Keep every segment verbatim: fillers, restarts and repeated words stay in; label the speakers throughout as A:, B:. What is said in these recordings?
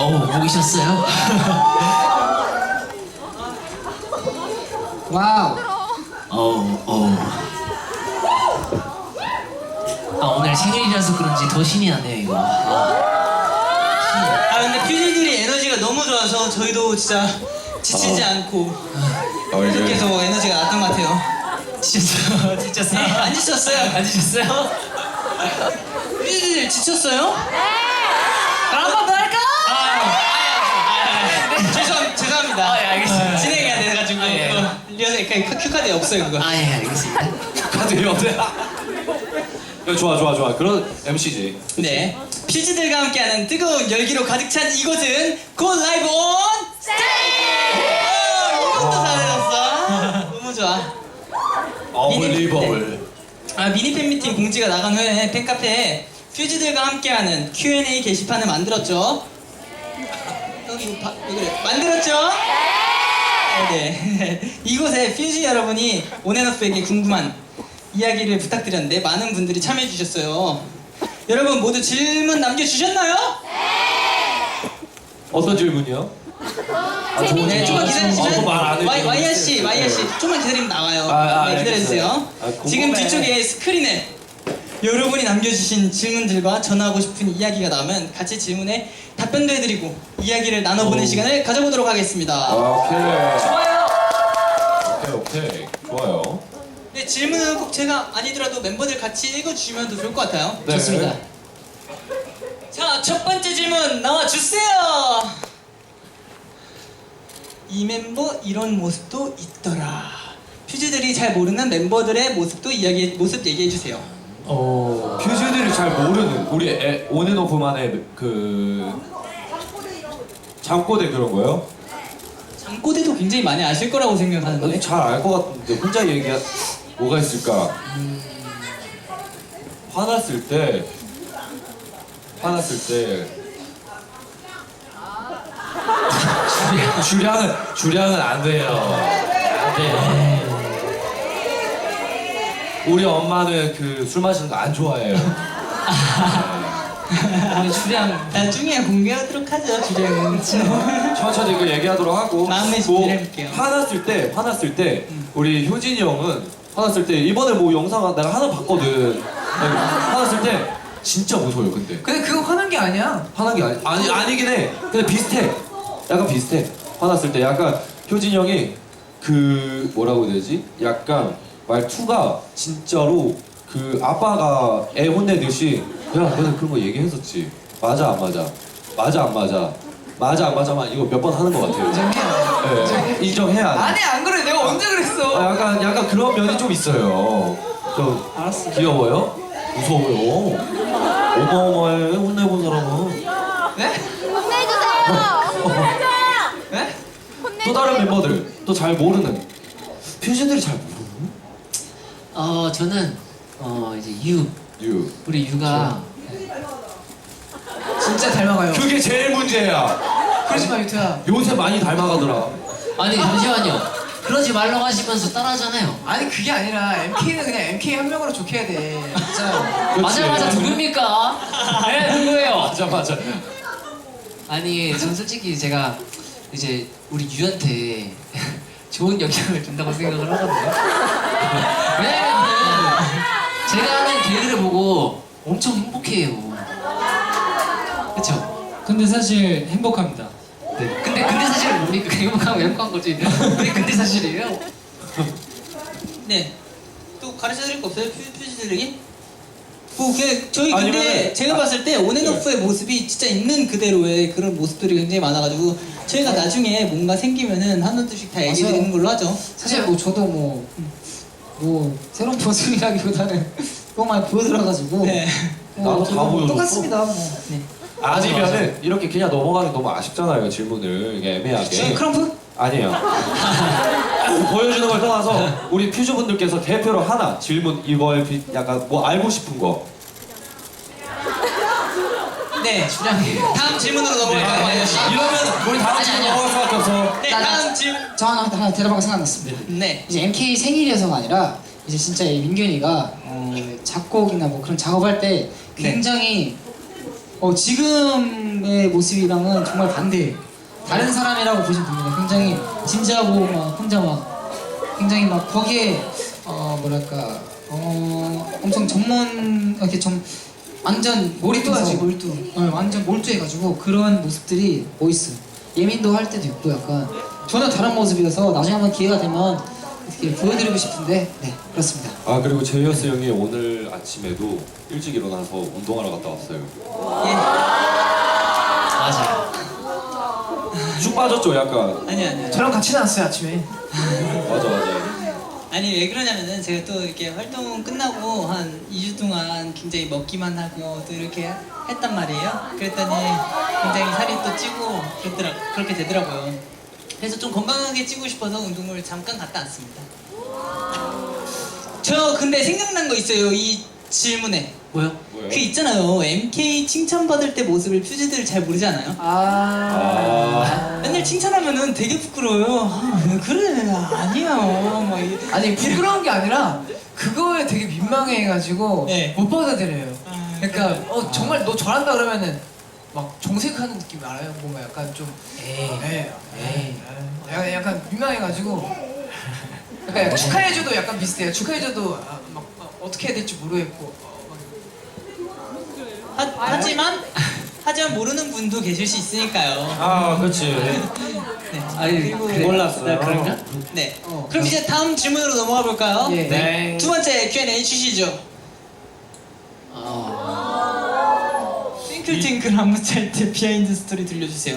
A: 어우, 보기 싫었어요?
B: 와우.
A: 어우, 어우. 아, 오늘 생일이라서 그런지 더 신이 나네요, 이거. 아,
C: 아 근데 퓨즈들이 에너지가 너무 좋아서 저희도 진짜 지치지
D: 어.
C: 않고
D: 어, 이제
C: 계속 에너지가 났던 것 같아요.
A: 지쳤어요? 지쳤어요?
C: 네, 안 지쳤어요?
A: 안 지쳤어요?
C: 퓨즈들 지쳤어요?
A: 그럼 한 번 더 할까?
C: 아, 아, 아, 아, 죄송 죄송합니다.
A: 아, 예, 알겠습니다.
C: 진행해야 돼가지고
A: 아, 예.
C: 어, 리허설 그 큐 카드에 없어요 그거.
A: 아, 예, 알겠습니다.
D: 카드 없어요. 좋아 좋아 좋아. 그런 엠시지.
C: 네. 퓨즈들과 함께하는 뜨거운 열기로 가득 찬 이곳은 곧 라이브 온 스테이지! 이것도 잘해줬어. 너무 좋아.
D: 어블리버블.
C: 아 미니 팬미팅 공지가 나간 후에 팬카페에 퓨즈들과 함께하는 큐 앤 에이 게시판을 만들었죠. 여기 바, 왜 그래? 만들었죠? 네. 이곳에 퓨즈 여러분이 온앤오프에게 궁금한 이야기를 부탁드렸는데 많은 분들이 참여해 주셨어요. 여러분 모두 질문 남겨주셨나요?
D: 어떤 질문이요? 아, 좋은
C: 네, 좀만 기다리시면
D: 말안
C: 와이, 와이아 씨, 와이아 씨, 좀만 기다리면 나와요.
D: 아, 아,
C: 네, 기다려주세요.
D: 알겠어요. 아, 궁금해.
C: 지금 뒤쪽에 스크린에 여러분이 남겨주신 질문들과 전하고 싶은 이야기가 나오면 같이 질문에 답변도 해드리고 이야기를 나눠보는
D: 오.
C: 시간을 가져보도록 하겠습니다.
D: 아, 오케이.
C: 좋아요.
D: 오케이 오케이. 좋아요.
C: 네, 질문은 꼭 제가 아니더라도 멤버들 같이 읽어주시면 더 좋을 것 같아요.
D: 네.
C: 좋습니다. 자, 첫 번째 질문 나와주세요. 이 멤버 이런 모습도 있더라. 퓨즈들이 잘 모르는 멤버들의 모습도 이야기 모습 얘기해 주세요.
D: 어. 퓨즈들이 잘 모르는 우리 에, 온앤오프만의 그 잠꼬대 그런 거요?
C: 잠꼬대도 굉장히 많이 아실 거라고 생각하는데.
D: 잘 알 것 같은데 혼자 얘기가 뭐가 있을까? 화났을 때 화났을 때 주량, 주량은 주량은 안 돼요. 안 돼. 우리 엄마는 그 술 마시는 거 안 좋아해요.
C: 우리 주량 나중에 공개하도록 하죠. 주량은.
D: 천천히 그 얘기하도록 하고
C: 마음의 준비를 해볼게요.
D: 화났을 때 화났을 때 우리 효진이 형은 화났을 때 이번에 뭐 영상 내가 하나 봤거든. 화났을 때 진짜 무서워요. 근데
B: 근데 그거 화난 게 아니야.
D: 화난 게 아니 아니 아니긴 해. 근데 비슷해. 약간 비슷해. 화났을 때 약간 효진이 형이 그 뭐라고 해야 되지? 약간 말투가 진짜로 그 아빠가 애 혼내듯이 야 너는 그런 거 얘기했었지. 맞아 안 맞아? 맞아 안 맞아? 맞아 안 맞아만 이거 몇 번 하는 것 같아요.
B: 인정해.
D: 네, 인정해야 돼.
B: 아니 안 그래. 내가 언제 그랬어?
D: 아, 약간 약간 그런 면이 좀 있어요. 좀
C: 알았어.
D: 귀여워요? 무서워요. 어마어마해 혼내본 사람은.
B: 네?
E: 혼내주세요.
B: 네?
D: 또 다른 멤버들 또 잘 모르는 퓨즈들이 잘 모르는
A: 어, 저는, 어, 이제 유.
D: 유.
A: 우리 유가.
B: 진짜 닮아가요.
D: 그게 제일 문제야.
B: 그러지 마 유태야.
D: 요새 많이 닮아가더라.
A: 아니, 잠시만요. 그러지 말라고 하시면서 따라하잖아요.
B: 아니 그게 아니라 엠케이는 그냥 엠케이 한 명으로 좋게 해야 돼. 진짜.
D: 그렇지.
A: 맞아, 맞아. 누굽니까? 네, 누구예요?
D: 맞아 맞아.
A: 아니, 전 솔직히 제가 이제 우리 유한테 좋은 영향을 준다고 생각을 하거든요. 왜냐면은 제가 하는 개그를 보고 엄청 행복해요. 그쵸?
F: 근데 사실 행복합니다.
A: 네. 근데 근데 사실은 뭡니까? 행복하고 행복한 거지. 근데 근데 사실이에요.
C: 네. 또 가르쳐 드릴 거 없어요? 퓨, 퓨즈들에게? 뭐, 그, 저희 근데
D: 아니면은-
C: 제가
D: 아,
C: 봤을 때 온앤오프의
D: 네.
C: 모습이 진짜 있는 그대로의 그런 모습들이 굉장히 많아가지고 저희가 나중에 뭔가 생기면은 하나둘씩 다 얘기
B: 맞아요.
C: 드리는 걸로 하죠.
B: 사실 뭐 저도 뭐, 뭐 새로운 모습이라기보다는 너무 많이 보여들어가지고
C: 네.
B: 뭐
D: 나도 다
B: 저도
D: 보여줬어.
B: 똑같습니다 뭐.
C: 네.
D: 아니면은 이렇게 그냥 넘어가기 너무 아쉽잖아요 질문을 이게
C: 저희
D: 애매하게.
C: 크럼프?
D: 아니에요. 보여주는 걸 떠나서 우리 퓨즈분들께서 대표로 하나 질문 이거에 비- 약간 뭐 알고 싶은 거.
C: 네. 다음 질문으로 넘어갈까요? 와이아 씨?
D: 이러면 우리 다음
A: 아니,
D: 질문
A: 아니야.
D: 넘어갈 수밖에 없어.
C: 네,
B: 나- 나-
C: 다음 질문.
B: 저 하나 하나 대답하고 생각났습니다.
C: 네.
B: 이제 엠케이 생일이어서가 아니라 이제 진짜 이 민균이가 어, 작곡이나 뭐 그런 작업할 때 굉장히 어, 지금의 모습이랑은 정말 반대예요. 다른 사람이라고 보시면 됩니다. 굉장히 진지하고 막 혼자 막 굉장히 막 거기에 어 뭐랄까 어 엄청 전문 이렇게 좀 완전 몰입하지 몰두. 어, 완전 몰두해가지고 그런 모습들이 멋있어요. 예민도 할 때도 있고 약간 전혀 다른 모습이어서 나중에 한번 기회가 되면 이렇게 보여드리고 싶은데 네 그렇습니다.
D: 아 그리고 제이어스 형이 오늘 아침에도 일찍 일어나서 운동하러 갔다 왔어요.
C: 예.
A: 맞아.
D: 쭉 빠졌죠 약간.
C: 아니 아니.
E: 저랑 같이 나왔어요 아침에.
D: 맞아 맞아.
C: 아니 왜 그러냐면은 제가 또 이렇게 활동 끝나고 한 이 주 동안 굉장히 먹기만 하고 또 이렇게 했단 말이에요. 그랬더니 굉장히 살이 또 찌고 그랬더라, 그렇게 되더라고요. 그래서 좀 건강하게 찌고 싶어서 운동을 잠깐 갔다 왔습니다. 저 근데 생각난 거 있어요 이 질문에.
A: 뭐요?
D: 뭐예요?
C: 그 있잖아요 엠케이 칭찬받을 때 모습을 퓨즈들 잘 모르잖아요.
E: 아.
C: 맨날 칭찬하면은 되게 부끄러워요. 아, 왜 그래 아니에요 막 이-
E: 아니 부끄러운 게 아니라 그거에 되게 민망해가지고
C: 네.
E: 못 받아들여요.
C: 아,
E: 그러니까 어 정말 너 잘한다 그러면은 막 정색하는 느낌 알아요? 뭔가 약간 좀
A: 에이.
E: 에이, 에이, 약간, 약간 민망해가지고 약간, 약간 축하해줘도 약간 비슷해요. 축하해줘도 아, 막 어, 어떻게 해야 될지 모르겠고 어, 막
C: 하, 하지만 하지만 모르는 분도 계실 수 있으니까요.
D: 아 그렇지.
C: 네.
A: 아니
C: 그리고
A: 그래.
D: 몰랐어요.
A: 나 그런가?
C: 네.
B: 어,
C: 그럼 이제 다음 질문으로 넘어가 볼까요?
E: 예.
D: 네.
C: 두 번째 큐 앤 에이 주시죠.
A: 아.
C: 팅클팅클 안무 짤 때 비하인드 스토리 들려주세요.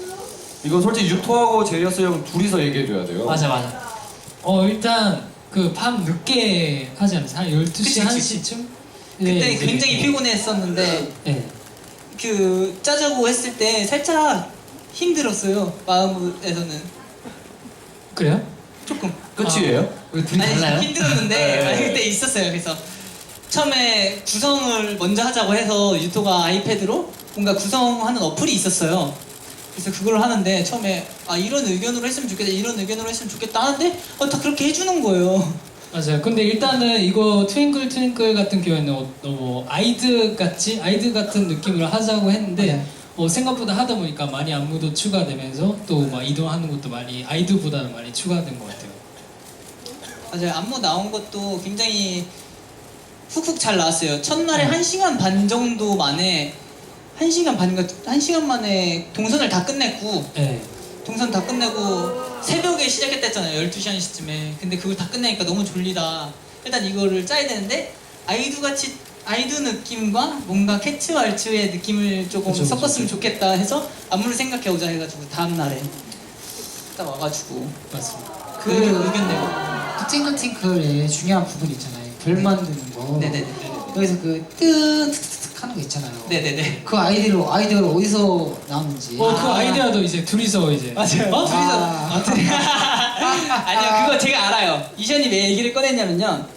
D: 이건 솔직히 유토하고 제이어스 형 둘이서 얘기해줘야 돼요.
A: 맞아 맞아.
F: 어 일단 그 밤 늦게 하지 않았어요? 한 열두 시,
C: 그치,
F: 한
C: 그치.
F: 시쯤?
C: 그때 굉장히 피곤했었는데
F: 네.
C: 그 짜자고 했을 때 살짝 힘들었어요. 마음에서는
F: 그래요?
C: 조금.
D: 끝이에요?
A: 우리 둘이
C: 아니
A: 달라요?
C: 힘들었는데
D: 네.
C: 아니, 그때 있었어요. 그래서 처음에 구성을 먼저 하자고 해서 유토가 아이패드로 뭔가 구성하는 어플이 있었어요. 그래서 그걸 하는데 처음에 아 이런 의견으로 했으면 좋겠다 이런 의견으로 했으면 좋겠다 하는데 어, 다 그렇게 해주는 거예요.
F: 맞아요. 근데 일단은 이거 트윙클 트윙클 같은 경우에는 어, 너무 아이드 같이 아이드 같은 느낌으로 하자고 했는데
B: 네.
F: 어, 생각보다 하다 보니까 많이 안무도 추가되면서 또 막 이동하는 것도 많이 아이드보다는 많이 추가된 것 같아요.
C: 맞아요. 안무 나온 것도 굉장히 훅훅 잘 나왔어요. 첫날에
F: 음.
C: 한 시간 반 정도 만에 한 시간 반인가 한 시간 만에 동선을 다 끝냈고
F: 네.
C: 동선 다 끝내고 새벽에 시작했댔잖아요. 열두 시 한 시쯤에. 근데 그걸 다 끝내니까 너무 졸리다. 일단 이거를 짜야 되는데 아이두 같이 아이두 느낌과 뭔가 캐츠 왈츠의 느낌을 조금
F: 그쵸, 그쵸,
C: 섞었으면
F: 그쵸.
C: 좋겠다 해서 안무를 생각해 오자 해가지고 다음 날에 딱 와가지고
F: 맞습니다.
B: 그
C: 의견, 의견 내고.
B: 팅클팅클의 중요한 부분 있잖아요. 별 만드는 거.
C: 네네네.
B: 여기서 그 뜨뜨뜨 하는 거 있잖아요.
C: 네네네.
B: 그 아이디로 아이디어가 어디서 나오는지.
F: 어, 그 아이디어도 이제 둘이서 이제
C: 맞아요. 어? 둘이서.
B: 아.
C: 아, 둘이. 아니요, 그거 제가 알아요. 이션이 왜 얘기를 꺼냈냐면요.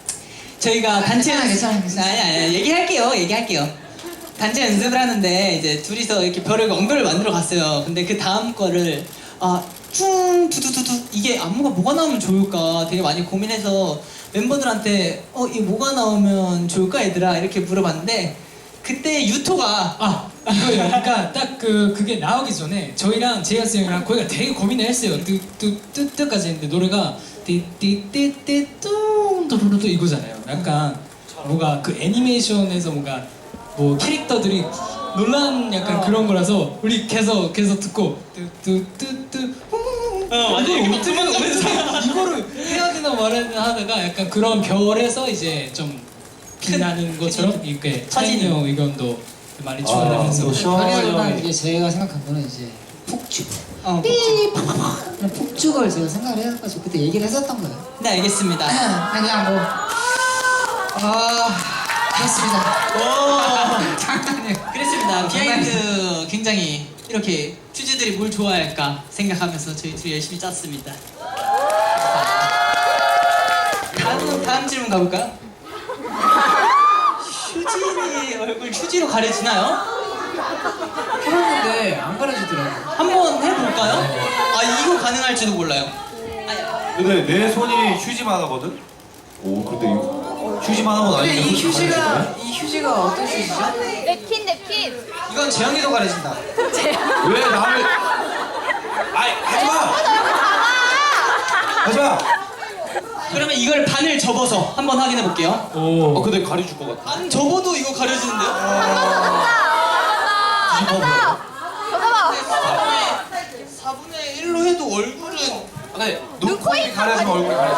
C: 저희가 단체
B: 괜찮아요,
C: 연습.
B: 괜찮아요, 괜찮아요.
C: 아니, 아니, 얘기할게요. 얘기할게요. 단체 연습을 하는데 이제 둘이서 이렇게 별을 엉별을 만들어 갔어요. 근데 그 다음 거를 아, 퉁 두두두두 이게 안무가 뭐가 나오면 좋을까 되게 많이 고민해서 멤버들한테 어, 이 뭐가 나오면 좋을까 얘들아 이렇게 물어봤는데 그때 유토가
F: 아 이거요. 그러니까 딱 그 그게 나오기 전에 저희랑 제이어스 형이랑 거기가 되게 고민을 했어요. 뜨뜨뜨뜨까지 했는데 노래가 띠띠띠띠 뚱뚜루루 이거잖아요. 약간 뭔가 그 애니메이션에서 뭔가 뭐 캐릭터들이 놀란 약간 그런 거라서 우리 계속 계속 듣고 뜨뜨뜨뜨
C: 어, 맞아. 이렇게 막 도망가면서.
F: 이거를 해야 되나 말아야 되나 하다가 약간 그런 별에서 이제 좀 빛나는 것처럼 이렇게 차진이 형 의견도 많이 추가되면서
D: 또 시원하게
B: 별이라기보다
D: 형이-
B: 이게 제가 생각한 거는 이제 폭죽.
C: 어,
B: 그냥 폭죽을 제가 생각을 해가지고 그때 얘기를 했었던 거예요.
C: 네 알겠습니다.
B: 아니, 그냥 뭐, 아, 그렇습니다.
C: 오.
B: 장난이에요.
C: 그랬습니다. 비하인드 굉장히 이렇게 퓨즈들이 뭘 좋아할까 생각하면서 저희 둘이 열심히 짰습니다. 다음, 다음 질문 가볼까요? 휴진이 얼굴 휴지로 가려지나요?
E: 해봤는데 안 가려지더라고.
C: 한번 해볼까요? 아 이거 가능할지도 몰라요. 아니,
D: 근데 내 손이 휴지만 하거든? 오 근데 이거 휴지만 하고
E: 근데
D: 나니까
E: 이
D: 솔직히
E: 휴지가
D: 다르네.
E: 이 휴지가 어떤 휴지죠?
G: 냅킨 냅킨 퀸.
B: 이건 재영이도 가려진다.
D: 왜 나를? 아이 하지 마. 하지 마.
C: 그러면 이걸 반을 접어서 한번 확인해 볼게요.
D: 어 근데 가려줄 것 같아.
C: 반 접어도 이거 가려지는데요?
G: 잠깐만.
C: 사분의 일로 해도 얼굴은
D: 네.
G: 눈코입
D: 가려지면 얼굴이 가려져.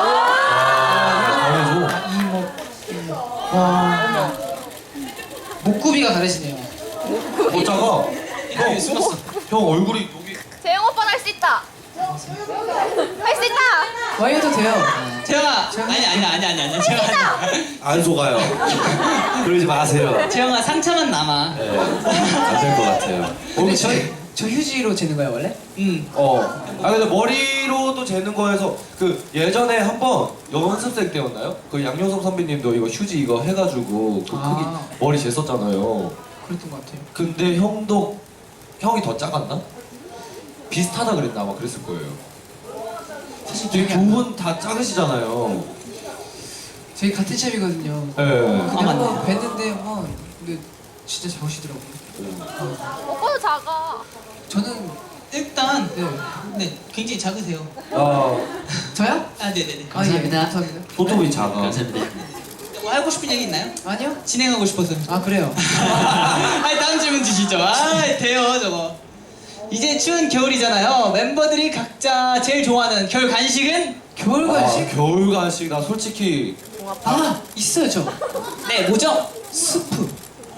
D: 아, 가려줘.
B: 이목 와 목구비가 다르시네요.
D: 못 작아.
C: 이거 숨었어.
D: 형 얼굴이 여기.
G: 재영 오빠는 할 수 있다. 할 수 있다.
E: 와이 해도 돼요.
C: 재영아 아니 아니 아니 아니 아니 재영아
D: 안 속아요. 그러지 마세요.
C: 재영아 상처만 남아.
D: 네. 안될 것 같아요.
E: 근데 저, 저 휴지로 재는 거예요 원래?
C: 음.
D: 어. 아 근데 머리로도 재는 거에서 그 예전에 한번 연습생 때였나요? 그 양효섭 선배님도 이거 휴지 이거 해가지고 그 크기
E: 아.
D: 머리 쟀었잖아요.
E: 그랬던 것 같아요.
D: 근데 형도 형이 더 작았나? 비슷하다 그랬나 아마 그랬을 거예요. 사실
E: 기억이 안
D: 두 분 다 작으시잖아요.
E: 저희 같은 샵이거든요.
D: 예. 네.
E: 근데 한번 뵀는데 한번 근데 진짜 작으시더라고요.
G: 오빠도 작아.
E: 저는
C: 일단
E: 네
C: 네 굉장히 작으세요.
D: 아
E: 저요?
C: 아 네네네.
A: 감사합니다.
E: 아, 예, 감사합니다.
D: 토토이 작아.
A: 감사합니다.
C: 뭐 하고 싶은 얘기 있나요?
E: 아니요?
C: 진행하고 싶어서.
E: 아 그래요.
C: 아니 다음 질문 주시죠. 아 돼요 저거. 이제 추운 겨울이잖아요. 멤버들이 각자 제일 좋아하는 겨울 간식은?
E: 겨울 간식?
D: 아, 겨울 간식 나 솔직히
E: 아 있어요 저.
C: 네 뭐죠?
E: 스프.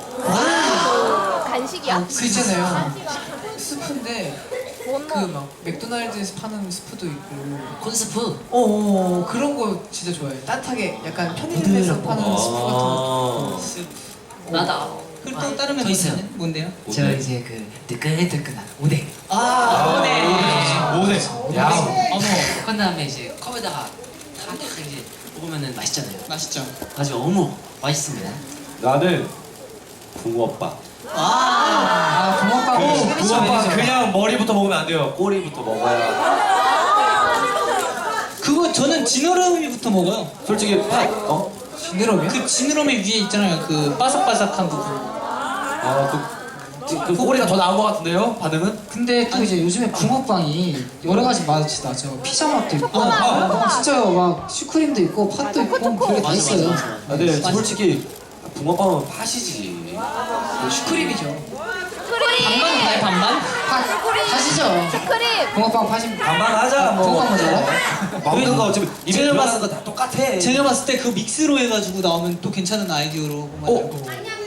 G: 간식이야.
E: 그 있잖아요. 스프인데
G: 뭔
E: 그
G: 놈?
E: 막 맥도날드에서 파는 스프도 있고.
A: 콘스프.
E: 어 그런 거 진짜 좋아해요. 따뜻하게 약간 편의점에서 파는 스프 같은 거.
D: 아,
A: 나다.
C: 그리고 또 다른
A: 더
C: 멤버들은
A: 있어요.
C: 뭔데요?
A: 저 이제 그 뜨끈뜨끈한 오뎅.
C: 아 네.
D: 오네. 야.
C: 어머
A: 그 다음에 이제 컵에다가 탁 이제 먹으면은 맛있잖아요.
C: 맛있죠.
A: 아주 어묵 맛있습니다.
D: 나는 붕어빵.
C: 아
E: 아 붕어빵.
D: 그
E: 시그니처
D: 붕어빵
E: 메뉴죠.
D: 그냥 머리부터 먹으면 안 돼요. 꼬리부터 먹어야.
C: 그거 저는 지느러미부터 먹어요.
D: 솔직히 팥 어?
E: 지느러미요?
C: 그 지느러미 위에 있잖아요. 그 바삭바삭한 부분.
D: 아그 그 꼬리가 더 나은 것 같은데요? 반응은?
B: 근데 또 이제 요즘에 붕어빵이 여러 가지 맛이 나죠. 피자 맛도 있고,
D: 아, 아.
B: 막 진짜 막 슈크림도 있고, 팥도 있고, 별게 다
A: 맞아,
B: 있어요.
A: 맞아,
D: 아, 근데 솔직히 붕어빵은 팥이지.
E: 슈크림이죠.
C: 반반
G: 스크림.
C: 가요 반반?
B: 팥, 팥이죠.
G: 스크림.
B: 붕어빵 팥이
D: 반반 하자 뭐.
B: 붕어빵 뭔지 알아?
D: 먹는 거 어차피 입에
C: 제가
D: 들어가는
C: 봤-
D: 거 다 똑같아.
C: 제가 봤을 때 그 믹스로 해가지고 나오면 또 괜찮은 아이디어로 만들고.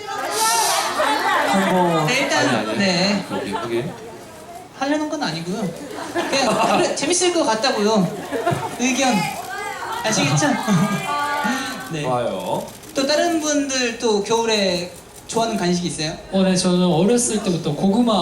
D: 뭐.
C: 네, 일단
D: 아니, 아니.
C: 네
D: 여기 여기.
C: 하려는 건 아니고요. 그냥 그래, 재밌을 것 같다고요. 의견 아시겠죠? 네.
D: 좋아요.
C: 또 다른 분들 또 겨울에 좋아하는 간식이 있어요?
F: 어, 네, 저는 어렸을 때부터 고구마.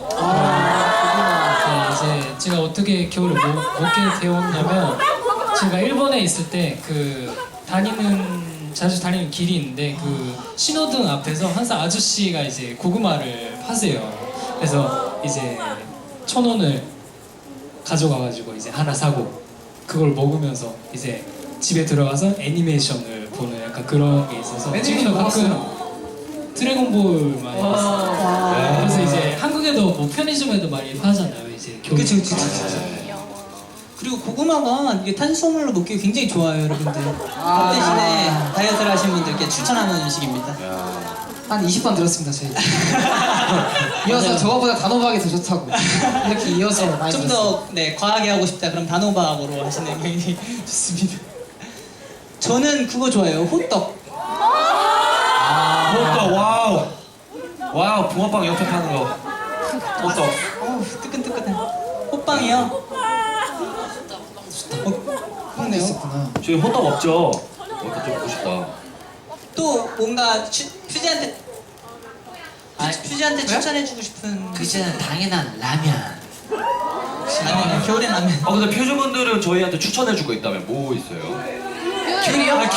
F: 아, 네, 이제 제가 어떻게 겨울에 먹, 먹게 되었냐면 제가 일본에 있을 때 그 다니는 자주 다니는 길이 있는데 그 신호등 앞에서 항상 아저씨가 이제 고구마를 파세요. 그래서 이제 천 원을 가져가가지고 이제 하나 사고 그걸 먹으면서 이제 집에 들어가서 애니메이션을 보는 약간 그런 게 있어서 지금도 가끔 드래곤볼 많이 봤어요. 네, 그래서 이제 한국에도 뭐 편의점에도 많이 파잖아요. 이제 겨울.
C: 그치 그치 그치. 그리고 고구마가 이게 탄수화물로 먹기 굉장히 좋아요, 여러분들. 밥 대신에 다이어트를 하시는 분들께 추천하는 음식입니다.
B: 한 이십 번 들었습니다, 저희. 이어서 저거보다 단호박이 더 좋다고. 이렇게 이어서 많이
C: 좀
B: 들었어요.
C: 더 네, 과하게 하고 싶다 그럼 단호박으로 하시는 게 굉장히 좋습니다. 저는 그거 좋아해요, 호떡.
D: 호떡 와우. 와우 붕어빵 옆에 파는 거. 호떡.
C: 어우, 뜨끈뜨끈해. 호빵이요. 어, 그렇네요.
B: 있었구나.
D: 저희 호떡 없죠? 호떡 좀 먹고 싶다.
C: 또 뭔가 추, 퓨지한테
A: 아,
C: 퓨지한테 추천해주고 싶은
A: 그 있잖아 당연한 라면.
C: 아니 겨울에 라면.
D: 아 근데 표주분들은 저희한테 추천해줄 거 있다면 뭐 있어요?
E: 귤이요?
D: 아,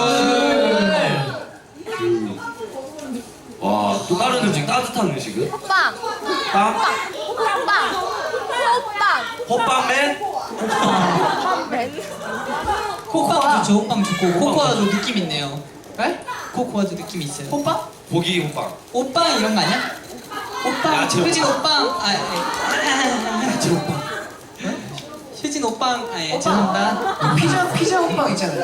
D: 귤. 와, 또 다른 음식, 따뜻한 음식은?
G: 호빵.
D: 빵?
G: 호빵. 호빵.
D: 호빵맨?
G: 호빵맨.
C: 코코아 좋죠. 호빵 좋고 코코아도 느낌 있네요.
E: 네?
C: 코코아도 느낌 있어요.
E: 호빵?
D: 고기 호빵.
C: 오빵 이런 거 아니야? 오빵.
D: 야채
C: 효진
D: 오빵.
C: 오빵. 아, 예.
D: 야채 호빵.
C: 효진 오빵. 아, 예. 죄송합니다.
E: 피자 피자 호빵 있잖아요.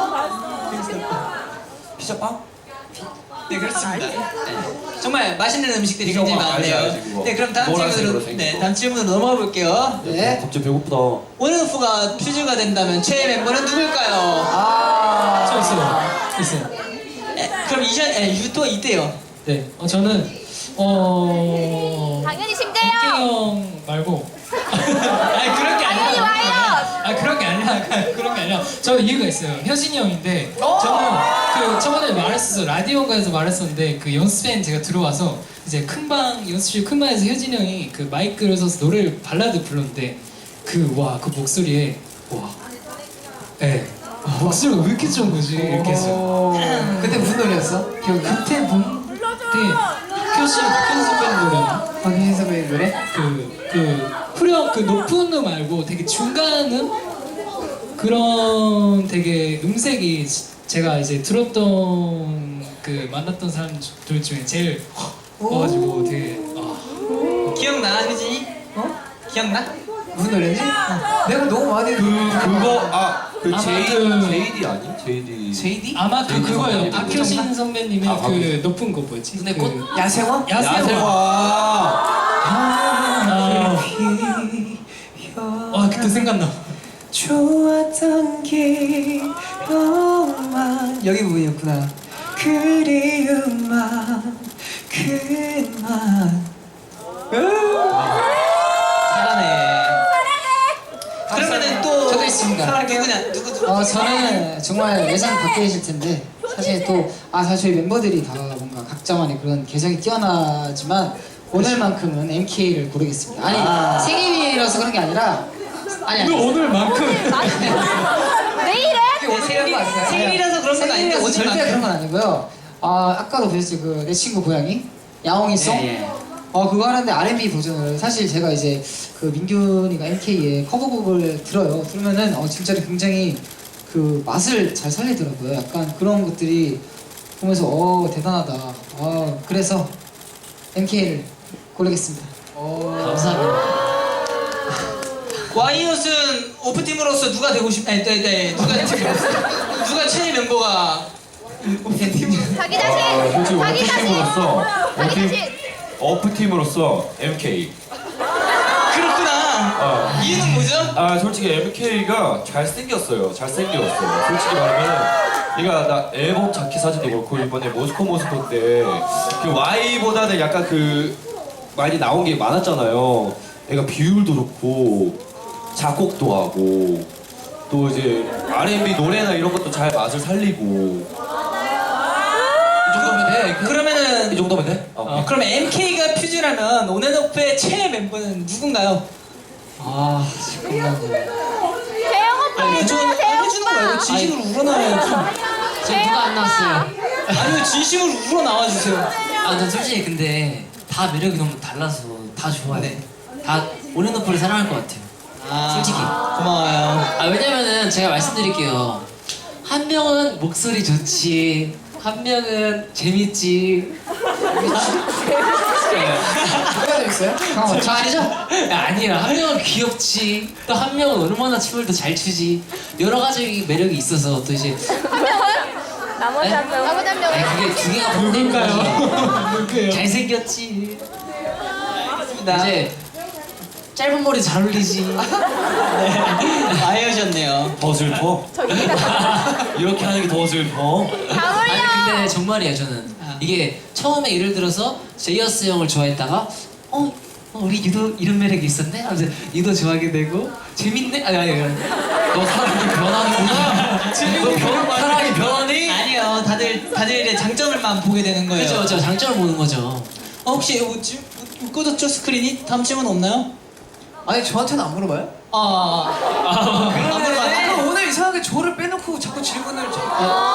D: 피자빵?
C: 네, 그렇습니다. 네. 정말 맛있는 음식들이
D: 피자
C: 굉장히
D: 오빵 알지,
C: 많네요.
D: 알지, 그거.
C: 네, 그럼 다음
D: 노란색으로
C: 질문으로
D: 생긴
C: 네,
D: 거.
C: 다음 질문으로 넘어가 볼게요.
E: 네.
D: 갑자기 배고프다.
C: 온앤오프가 퓨즈가 된다면 최애 멤버는 누굴까요?
E: 아.
F: 저 있어요. 있어요.
C: 에, 그럼 이전 에, 유도 있대요.
F: 네. 어, 저는 어
G: 당연히
F: 백기
G: 심재영.
F: 형 말고 아니 그런 게 아니라
G: 당연히 와요.
F: 아 그런 게 아니라 그런 게 아니라 저는 이유가 있어요. 효진이 형인데 저는 그 저번에 말했었어 라디오가에서 말했었는데 그 연습생 제가 들어와서 이제 큰 방 연습실 큰 방에서 효진이 형이 그 마이크를 써서 노래를 발라드 불렀는데 그 와 그 목소리에 와 예. 아, 목소리가 왜 이렇게 좋은 거지 이렇게 했어요.
E: 어. 그때 무슨 노래였어? 기억이 나?
F: 그때 뭔데 박효신 박효신 선배님 노래나
E: 박혜인 선배님 노래?
F: 그, 그, 후렴, 그 높은 음 말고 되게 중간 음? 그런 되게 음색이 제가 이제 들었던 그 만났던 사람들 중에 제일 와가지고 되게 아,
C: 기억나, 효진이?
E: 어?
C: 기억나?
E: 무슨 노래지? 내가 너무 많이
D: 그 그거 아그
F: 아마
D: 제이
F: 그-
D: 제이디 아니? 제이디.
E: 제이디?
F: 아마 그 그거예요.
D: 선배님.
F: 박효신 선배님의
D: 아,
F: 그
D: 박효신.
F: 높은 거 뭐였지?
A: 눈의
F: 그
A: 꽃?
E: 야생화?
F: 야생화.
D: 야생화.
F: 아, 와 그때 생각나.
E: 좋았던 기억만 여기 부분이었구나. 그리움만 그만.
C: 잘하네. 그러면은 또
B: 저도 있습니다.
C: 사랑해. 누구냐? 누구 누구?
B: 어, 저는 정말 예상 밖에 계실 텐데 사실 또 아 사실 저희 멤버들이 다 뭔가 각자만의 그런 개성이 뛰어나지만 오늘만큼은 엠케이를 고르겠습니다. 아니
C: 아.
B: 생일이라서 그런 게 아니라 아니 아니
F: 오늘만큼
G: 내일은?
C: 네, 생일, 생일이라서 그런 건 아닌데
B: 생일이라서 절대
C: 오늘만큼.
B: 그런 건 아니고요. 아 아까도 보셨죠 그 내 친구 고양이 야옹이송.
A: 예, 예.
B: 어 그거 하는데 알앤비 버전을 사실 제가 이제 그 민균이가 엠케이의 커버곡을 들어요. 들으면은 어 진짜로 굉장히 그 맛을 잘 살리더라고요. 약간 그런 것들이 보면서 어 대단하다. 어 그래서 엠케이를 고르겠습니다.
A: 감사합니다.
C: 와이엇은 오프팀으로서 누가 되고 싶? 네, 네, 네. 누가 누가 최애 멤버가 오프팀?
G: 자기
D: 아,
G: 자신.
D: 솔직히
G: 자기 자신.
D: 오프팀으로서
G: 자기
D: 오프팀
G: 자신.
D: 오프팀으로서 엠케이.
C: 그렇구나.
D: 어.
C: 이유는 뭐죠?
D: 아 솔직히 엠케이가 잘생겼어요. 잘생겼어요. 솔직히 말하면 얘가 나 앨범 자켓 사진도 그렇고 이번에 모스코 모스코 때 그 Y보다는 약간 그 많이 나온 게 많았잖아요. 얘가 비율도 좋고 작곡도 하고 또 이제 알앤비 노래나 이런 것도 잘 맛을 살리고 이 정도면 돼. 이
C: 그러면은
D: 정도면 돼? 어.
C: 어, 그럼 엠케이가 퓨즈라면 온앤오프의 최애 멤버는 누군가요?
B: 아 잠깐만요.
G: 재영 오빠
C: 아니 저
G: 해줘요, 재영
C: 해주는 거 말고
G: 오빠.
C: 진심으로 우러나와요.
A: 지금 누가 안 나왔어요?
C: 아니요 진심으로 우러나와 주세요.
A: 아, 난 솔직히 근데 다 매력이 너무 달라서 다 좋아요.
C: 네.
A: 다 온앤오프를 사랑할 것 같아요.
C: 아,
A: 솔직히.
C: 고마워요.
A: 아, 왜냐면은 제가 말씀드릴게요. 한 명은 목소리 좋지, 한 명은 재밌지.
E: 누가 재밌어요?
B: 잠깐만 저 아니죠?
A: 야, 아니야. 한 명은 귀엽지, 또 한 명은 얼마나 춤을 더 잘 추지. 여러 가지 매력이 있어서 또 이제.
G: 나머지 한 명. 나머지 한
A: 아니,
G: 명은?
A: 그게 두 개가 누굴까요?
F: 누구예요?
A: 잘생겼지.
C: 알겠습니다.
A: 이제 짧은 머리 잘 어울리지.
C: 많이 오셨네요.
D: 더 슬퍼? 이렇게 하는 게 더 슬퍼?
G: 다
A: 아니
G: 올려.
A: 근데 정말이에요 저는.
C: 아.
A: 이게 처음에 예를 들어서 제이어스 형을 좋아했다가 어, 어 우리 유도 이런 매력이 있었네 하면서 유도 좋아하게 되고 재밌네. 아니 아니 아니. 너 사람이 변하는구나. 너 변, 사람이 변하니?
C: 아니요, 다들 다들의 장점을만 보게 되는 거예요.
A: 그죠 그죠 장점을 보는 거죠.
C: 어, 혹시 뭐, 지, 뭐, 꺼졌죠 스크린이? 다음 질문 없나요?
E: 아니 저한테는 안 물어봐요?
C: 아, 아, 안
E: 그러네.
C: 물어봐요.
E: 아, 오늘 이상하게 저를 빼놓고 자꾸 질문을 자꾸.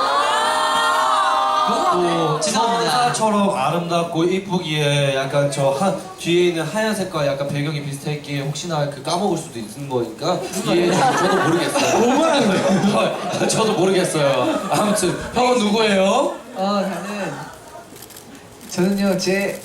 D: 또
C: 죄송합니다.
D: 천사처럼 아름답고 이쁘기에 약간 저 한 뒤에 있는 하얀색과 약간 배경이 비슷했기에 혹시나 그 까먹을 수도 있는 거니까 이해해 주시면 저도 모르겠어요.
F: 뭐라는 거예요?
D: 저도 모르겠어요. 아무튼 형은 누구예요?
E: 아 나는 저는요 제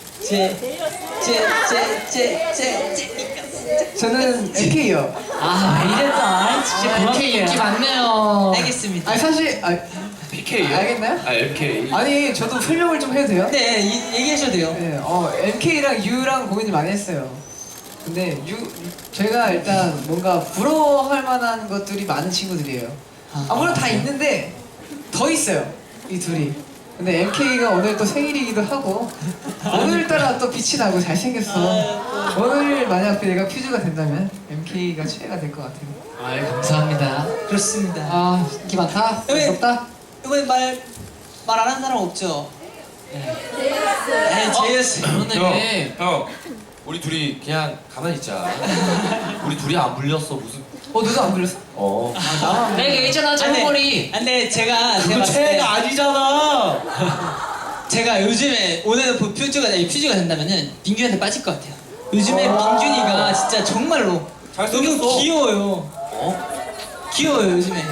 C: 제제제제제제
E: 저는 엠케이요.
A: 아 이랬다. 진짜 그만
B: 이렇게 인기 많네요.
C: 알겠습니다.
E: 아니 사실 아,
D: 피케이요?
E: 알겠나요?
D: 아 엠케이.
E: 아니 저도 설명을 좀 해도 돼요?
C: 네 이, 얘기하셔도 돼요.
E: 네, 어 엠케이랑 U랑 고민을 많이 했어요. 근데 U 제가 일단 뭔가 부러워할 만한 것들이 많은 친구들이에요. 아 물론 다 있는데 더 있어요 이 둘이. 근데 엠케이가 오늘 또 생일이기도 하고 오늘따라 또 빛이 나고 잘생겼어. 오늘 만약 내가 퓨즈가 된다면 엠케이가 최애가 될 것 같아요.
A: 아 감사합니다.
C: 그렇습니다.
B: 아 인기 많다.
C: 왜?
B: 부럽다.
C: 이번에 말 말 안 한 사람 없죠? 네, 제이어스.
A: 오늘
D: 형, 우리 둘이 그냥 가만히 있자. 우리 둘이 안 불렸어 무슨?
E: 어 너도 안 불렀어?
D: 어.
A: 내가 있잖아 짧은머리.
C: 근데 제가 제가
D: 그거
C: 봤을 때
D: 최애가 아니잖아.
C: 제가 요즘에 오늘 그 퓨즈가 아니, 퓨즈가 된다면은 민균한테 빠질 것 같아요. 요즘에 민균이가 진짜 정말로
D: 잘생겼어.
C: 너무 귀여워요.
D: 어?
C: 귀여워요 요즘에.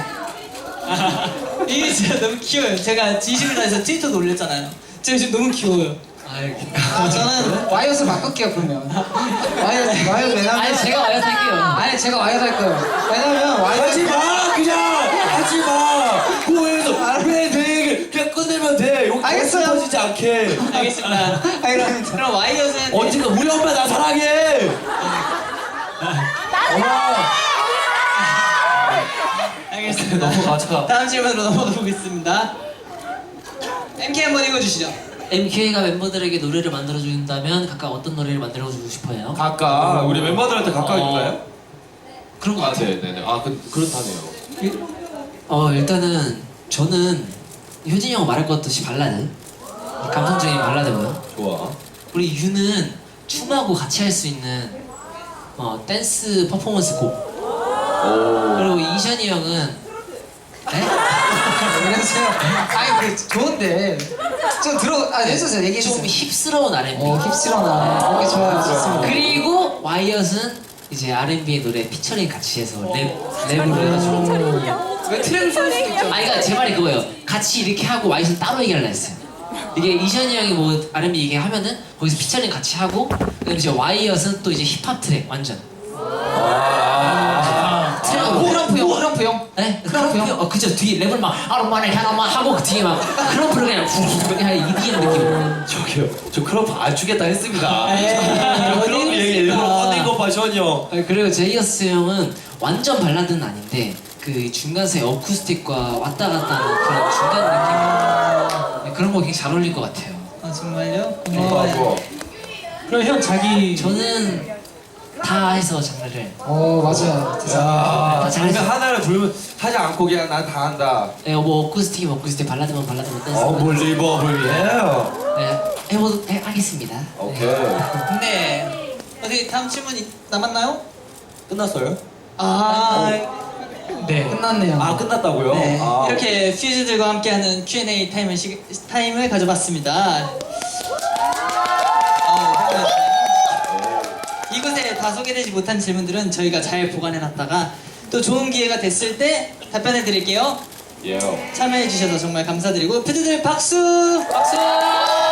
C: 이게 진짜 너무 귀여워요. 제가 진심을 다해서 트위터도 올렸잖아요. 제가 지금 너무 귀여워요. 아, 저는
B: 와이어스 바꿀게요 그러면. 와이어스 와이어스 왜냐면
A: 아니 제가 와이어스 할게요.
B: 아니 제가 와이어스 할 거예요. 왜냐면 와이어스
D: 하지 마 그냥 하지 마. 고해서 왜 되게 그냥 끝내면 돼. 여기
B: 알겠어요.
D: 터지지 않게.
C: 알겠습니다.
B: 알겠습니다.
C: 그럼 와이어스는
D: 언젠가 우리 엄마 나 사랑해.
C: 알겠습니다.
D: 넘어가자.
C: 다음 질문으로 넘어가 보겠습니다. 엠케이 한번 읽어주시죠.
A: 엠케이가 멤버들에게 노래를 만들어준다면 각각 어떤 노래를 만들어주고 싶어요?
D: 각각 우리 멤버들한테 각각
A: 어.
D: 있나요?
A: 그런 거
D: 아
A: 같아요.
D: 네네네. 아 그, 그렇다네요.
A: 어 일단은 저는 효진이 형 말할 것 없이 발라드 감성적인 발라드고요.
D: 좋아.
A: 우리 유는 춤하고 같이 할 수 있는 어, 댄스 퍼포먼스 곡.
D: 오.
A: 그리고 이션이 형은 네?
B: 그래서요. 아니 그 좋은데 좀 들어. 아 해주세요. 얘기해
A: 좀
B: 주세요.
A: 힙스러운 알앤비.
B: 어 힙스러나. 오케이 좋아요. 좋습니다.
A: 그리고 와이엇은 이제 알앤비의 노래 피처링 같이 해서 랩 랩으로 해가지고.
E: 왜 트랙을 쏠 수도 있죠?
A: 아 그러니까 제 말이 그거예요. 같이 이렇게 하고 와이엇은 따로 얘기하려 했어요. 이게 이션이 형이 뭐 알앤비 얘기하면은 거기서 피처링 같이 하고 그다음에 이제 와이엇은 또 이제 힙합 트랙 완전.
D: 아.
A: 트랙
B: 크럼프 형, 크럼프 형.
A: 네? 크럼프 형? 어 그죠 뒤에 랩을 막 아로마네 하나만 하고 그 뒤에 막 크럼프를 그냥 훅 그냥 이기는 느낌.
D: 저기요. 저 크럼프 안 주겠다 했습니다.
C: 에이,
D: 크럼프
C: 어디
D: 얘기 일부러
C: 있습니까?
D: 꺼낸 거 봐, 션이 형.
A: 아, 그리고 제이어스 형은 완전 발라드는 아닌데 그 중간 사이 어쿠스틱과 왔다 갔다 하는 그런 중간 느낌 네, 그런 거 굉장히 잘 어울릴 것 같아요.
C: 아 정말요?
D: 좋아, 좋아.
F: 그럼 형 자기
A: 저는 다 해서 장르를
B: 어 맞아요.
D: 야,
A: 아,
D: 장르
A: 잘했어.
D: 하나를 부르면 하지 않고 그냥 난 다 한다.
A: 네, 뭐 어쿠스틱이면 어쿠스틱 발라드면 발라드면 댄스
D: 어블리버블이에요.
A: 네, 해보 해, 하겠습니다.
D: 오케이.
C: 네. 어디 다음 질문 있- 남았나요?
D: 끝났어요?
C: 아,
F: 네.
B: 끝났네요.
D: 아, 끝났다고요?
C: 네.
D: 아,
C: 이렇게 퓨즈들과 함께하는 큐 앤 에이 타임을, 시, 타임을 가져봤습니다. 어우, 감사합니다. 이곳에 다 소개되지 못한 질문들은 저희가 잘 보관해놨다가 또 좋은 기회가 됐을 때 답변해 드릴게요.
D: 예.
C: 참여해 주셔서 정말 감사드리고 퓨즈들 박수! 박수!